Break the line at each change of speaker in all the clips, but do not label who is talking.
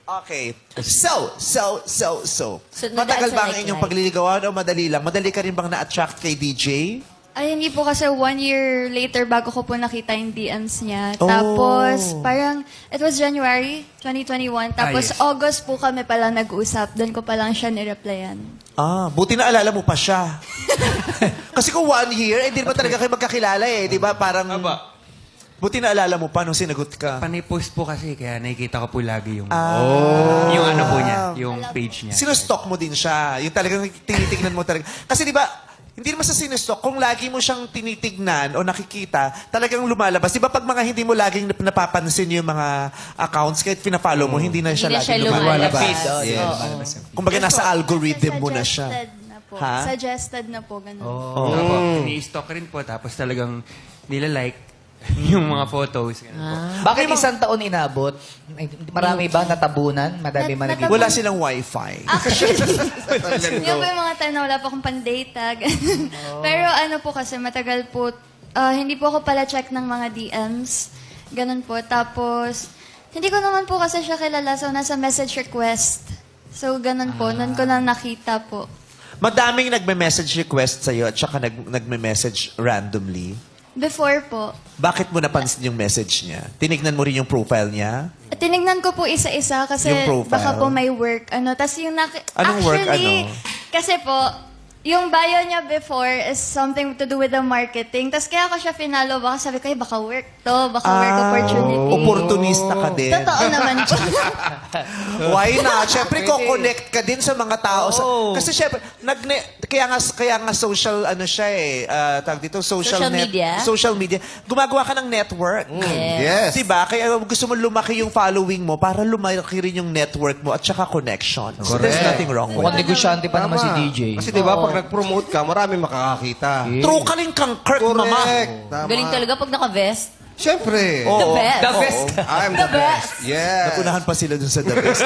Okay. So. Matagal
nag-dance
ba ang
like
inyong
life.
pagliligawan o madali lang? Madali ka rin bang na-attract kay DJ?
Ay, hindi po kasi 1 year later bago ko po nakita yung DMs niya.
Oh.
Tapos, parang, it was January 2021. Tapos,
yes.
August po kami palang nag-usap. Doon ko palang siya nireplyan.
Buti na alala mo pa siya. Kasi kung 1 year, hindi naman talaga kayo magkakilala eh. Di ba? Parang, buti na alala mo pa nung sinagot ka.
Panay-post po kasi, kaya nakikita ko po lagi yung...
Ah.
Yung ano po niya, yung page niya.
Sino-stalk mo din siya. Yung talagang tinitignan mo talaga. Kasi di ba, hindi naman sa sinustock, kung lagi mo siyang tinitignan o nakikita, talagang lumalabas. Di ba pag mga hindi mo laging napapansin yung mga accounts, kahit pina-follow mo, hindi na siya
Hindi na siya
laging lumalabas.
lumalabas.
Yes. Kumbaga nasa algorithm mo na siya.
Suggested na po.
Ha?
Suggested na po, ganun.
Opo, ini-stalk rin po, tapos talagang nila-like yung mga photos. Ganun po.
Bakit isang taon inabot? Marami ba natabunan? Madami man naging...
Wala silang wifi.
Actually, yun po yung mga time na wala pa akong pandata. ganun. Pero ano po kasi, matagal po, hindi po ako pala check ng mga DMs. Ganun po. Tapos, hindi ko naman po kasi siya kilala. So, nasa message request. So, ganun po. Nun ko lang nakita po.
Madaming nagme-message request sa'yo at saka nagme-message randomly.
Before po.
Bakit mo napansin yung message niya? Tinignan mo rin yung profile niya?
Tinignan ko po isa-isa kasi
Yung profile.
baka po may work. Tas yung
Anong work,
actually,
ano?
kasi po, yung bio niya before is something to do with the marketing. Tas kaya ko siya finalo, baka sabi ko, baka work to, baka work opportunity.
Opportunista ka din.
Totoo naman po.
Why not? Siyempre, ko-connect ka din sa mga tao. Kasi siyempre, kaya nga social, ano siya eh, tawag dito,
Social media?
Social media. Gumagawa ka ng network.
Yes.
Diba? Kaya gusto mo lumaki yung following mo para lumaki rin yung network mo at saka connection. So there's nothing wrong with
Mukhang
it.
negosyante pa naman si DJ.
Kasi di ba pag nag-promote ka, marami makakakita.
True ka rin kang Kirk, mama.
Correct. Tama.
Galing talaga pag naka-vest.
Siyempre.
The best.
The best.
I'm the best. Yes.
Nakunahan pa sila dun sa The Best.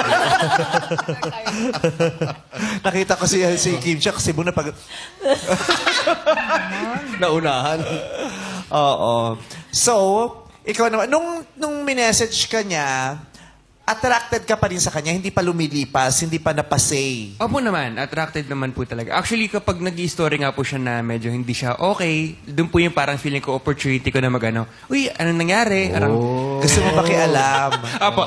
Nakita ko si Kim Chia kasi muna pag...
Naunahan.
Oo. So, ikaw naman, nung minessage ka niya, attracted ka pa rin sa kanya, hindi pa lumilipas, hindi pa napasay.
Opo naman, attracted naman po talaga. Actually, kapag nag-i-story nga po siya na medyo hindi siya okay, doon po yung parang feeling ko, opportunity ko na mag-ano, uy, anong nangyari? Parang,
Gusto mo makialam.
Apo.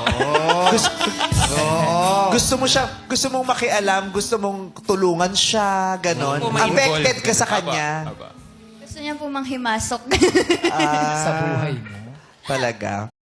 Gusto mong makialam, gusto mong tulungan siya, ganon.
Opo, ma-involve.
Affected ka sa kanya.
Apo.
Gusto niya po manghimasok.
Sa buhay mo.
Talaga.